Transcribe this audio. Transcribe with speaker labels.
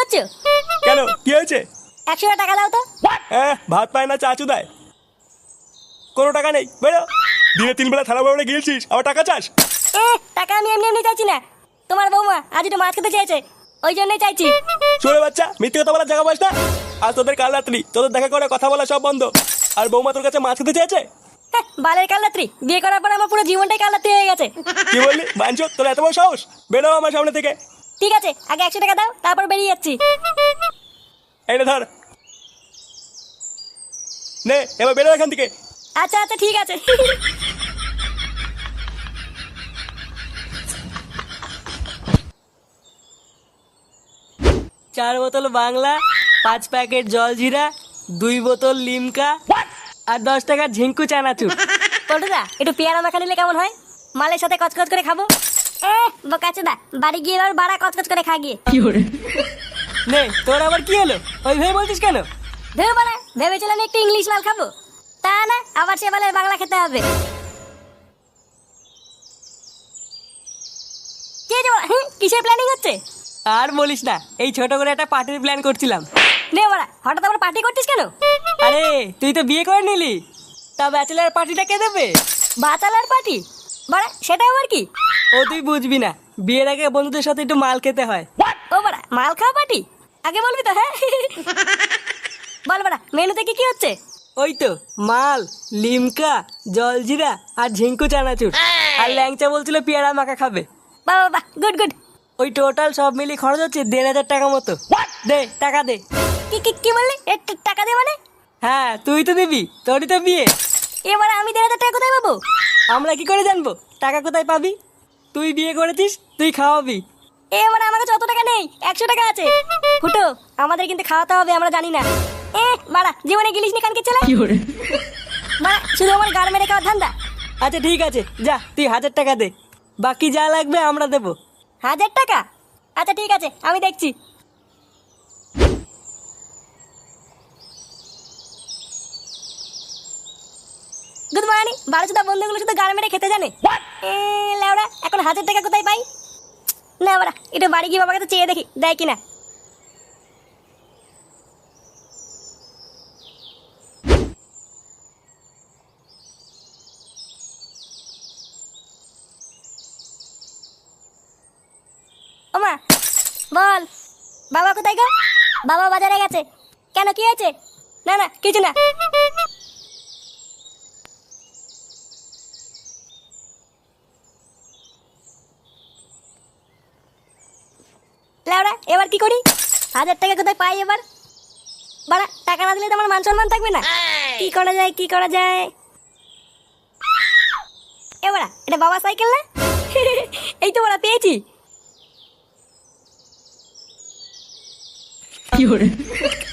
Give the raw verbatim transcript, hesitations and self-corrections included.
Speaker 1: করছো?
Speaker 2: কেন, কি হয়েছে?
Speaker 1: একশো টাকা দাও তো।
Speaker 2: হ্যাঁ, ভাত পায় না চাচু দেয়। কোনো টাকা নেই, বেরো। দিনে তিন বেলা থালা বাবড়ে গিয়েছিস, আবার টাকা চাস?
Speaker 1: এ টাকা আমি এমনি এমনি চাইছি না, তোমার বৌমা আজ একটু মাছ খেতে চেয়েছে, ওই জন্যই চাইছি।
Speaker 2: চলে বাচ্চা, মিথ্যে কথা বলার জায়গা পাস না। আর তোদের কাল রাত্রি তোদের দেখা করে কথা বলা সব বন্ধ। আর বৌমা তোর কাছে মাছ খেতে চেয়েছে?
Speaker 1: হ্যাঁ, বালের কালরাত্রি, বিয়ে করার পর আমার পুরো জীবনটাই কালরাত্রি হয়ে গেছে।
Speaker 2: কি বললি বাঞ্চো, তোর এত বড় সাহস? বেরো আমার সামনে থেকে।
Speaker 1: ঠিক আছে, আগে একশো টাকা দাও, তারপর বেরিয়ে যাচ্ছি।
Speaker 2: এইটা ধর, নে এবার বেরো এখান থেকে।
Speaker 1: আচ্ছা আচ্ছা ঠিক আছে।
Speaker 3: চার বোতল বাংলা, পাঁচ প্যাকেট জলজিরা, দুই বোতল লিমকা আর দশ টাকার ঝিঙ্কু চানাচুর।
Speaker 1: পল্টুদা, একটু পেয়ারা মাখা নিলে কেমন হয়? মালের সাথে কচকচ করে খাবো। এ বোকাচোদা, বাড়ি গিয়ে এবার বাড়া কচকচ করে খা গিয়ে।
Speaker 3: নে, তোর আবার কি হলো? ওই ভেবে বলছিস কেন?
Speaker 1: ভেবে বাড়া, ভেবেছিলাম একটু ইংলিশ মাল খাবো, তা না, আবার সে বালের বাংলা খেতে হবে। কে যে বাড়া, হুঁ, কিসের প্ল্যানিং হচ্ছে?
Speaker 3: আর বলিস না, এই ছোট করে একটা পার্টির প্ল্যান করছিলাম।
Speaker 1: নে বাড়া, হঠাৎ আবার পার্টি করছিস কেন?
Speaker 3: আরে তুই তো বিয়ে করে নিলি, তা ব্যাচেলার পার্টিটা কে দেবে?
Speaker 1: Bachelor party? বাড়া, সেটা আবার কি?
Speaker 3: ও তুই বুঝবি না, বিয়ের আগে বন্ধুদের সাথে একটু মাল খেতে হয়।
Speaker 1: ও বাড়া, মাল খাওয়া পার্টি? আগে বলবি তো। হ্যাঁ বল বাড়া, মেনুতে কি কি হচ্ছে?
Speaker 3: ওই তো মাল, লিমকা, জলজিরা আর ঝিঙ্কু চানাচুর। আর ল্যাংচা বলছিল পেয়ারা মাখা খাবে।
Speaker 1: বাবা বাহ, গুড গুড।
Speaker 3: ওই টোটাল সব মিলিয়ে খরচ হচ্ছে দেড় হাজার টাকা মতো। দে টাকা দে।
Speaker 1: কি কি কি বললি? এ, ট- টাকা দে মানে?
Speaker 3: হ্যাঁ তুই তো দিবি, তোরই তো বিয়ে।
Speaker 1: এবারে আমি দেড় হাজার টাকা কোথায় পাবো?
Speaker 3: আমরা কি করে জানবো টাকা কোথায় পাবি? তুই বিয়ে করেছিস, তুই খাওয়াবি।
Speaker 1: এবারে আমার কাছে অত টাকা নেই, একশো টাকা আছে। ফুটো, আমাদের কিন্তু খাওয়াতে হবে, আমরা জানি না। এ বাড়া, জীবনে গিলিস নি কানকে ছেলে। বাড়া, শুধু আমার গাড় মেরে খাওয়ার ধান্দা।
Speaker 3: আচ্ছা ঠিক আছে, যা তুই হাজার টাকা দে, বাকি যা লাগবে আমরা দেবো।
Speaker 1: হাজার টাকা? আচ্ছা ঠিক আছে, আমি দেখছি। Good morning. বারো চোদ্দ বন্ধুগুলো শুধু গাড় মেরে খেতে জানে। এ লেওড়া, এখন হাজার টাকা কোথায় পাই? না বাড়া, একটু বাড়ি গিয়ে বাবার কাছে চেয়ে দেখি দেয় কিনা। ওমা, বল। বাবা কোথায় গো? বাবা বাজারে গেছে। কেন, কি হয়েছে? না না, কিছু না। লেওড়া, এবার কি করি? হাজার টাকা কোথায় পাই এবার? বাড়া, টাকা না দিলে তো আমার মান সম্মান থাকবে না। কি করা যায়, কি করা যায়? এবারা, এটা বাবা সাইকেল না? এই তো বাড়া, পেয়েছি।
Speaker 3: কি